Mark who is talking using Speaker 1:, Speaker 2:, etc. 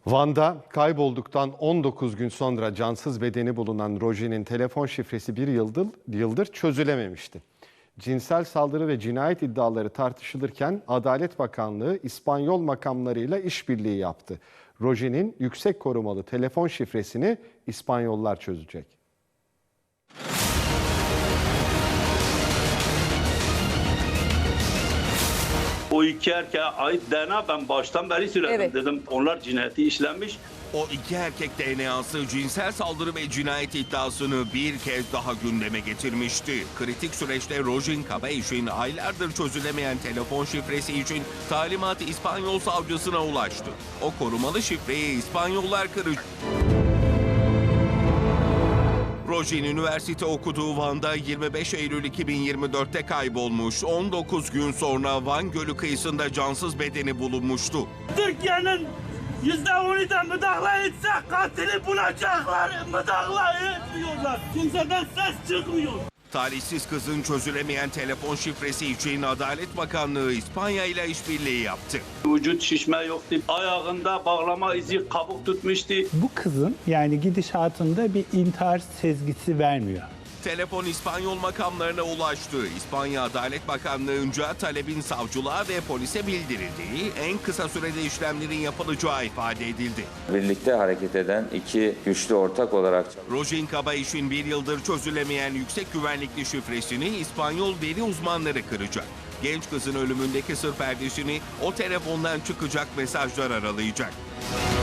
Speaker 1: Van'da kaybolduktan 19 gün sonra cansız bedeni bulunan Roji'nin telefon şifresi bir yıldır çözülememişti. Cinsel saldırı ve cinayet iddiaları tartışılırken Adalet Bakanlığı İspanyol makamlarıyla işbirliği yaptı. Roji'nin yüksek korumalı telefon şifresini İspanyollar çözecek.
Speaker 2: O iki erkeğe ait DNA ben baştan beri söyledim.
Speaker 3: Evet.
Speaker 2: Dedim onlar cinayeti işlenmiş.
Speaker 4: O iki erkek DNA'sı cinsel saldırı ve cinayet iddiasını bir kez daha gündeme getirmişti. Kritik süreçte Rojin Caballej'in aylardır çözülemeyen telefon şifresi için talimat İspanyol savcısına ulaştı. O korumalı şifreyi İspanyollar kıracak. Rojin üniversite okuduğu Van'da 25 Eylül 2024'te kaybolmuş. 19 gün sonra Van Gölü kıyısında cansız bedeni bulunmuştu.
Speaker 2: Türkiye'nin %10'u da müdahale etse katili bulacaklar. Müdahale etmiyorlar. Kimseden ses çıkmıyor.
Speaker 4: Talihsiz kızın çözülemeyen telefon şifresi için Adalet Bakanlığı İspanya ile işbirliği yaptı.
Speaker 2: Vücut şişme yoktu. Ayağında bağlama izi kabuk tutmuştu.
Speaker 5: Bu kızın yani gidişatında bir intihar sezgisi vermiyor.
Speaker 4: Telefon İspanyol makamlarına ulaştı. İspanya Adalet Bakanlığı'nca talebin savcılığa ve polise bildirildiği, en kısa sürede işlemlerin yapılacağı ifade edildi.
Speaker 6: Birlikte hareket eden iki güçlü ortak olarak
Speaker 4: Rojin Caballej'in bir yıldır çözülemeyen yüksek güvenlikli şifresini İspanyol veri uzmanları kıracak. Genç kızın ölümündeki sır perdesini o telefondan çıkacak mesajlar aralayacak.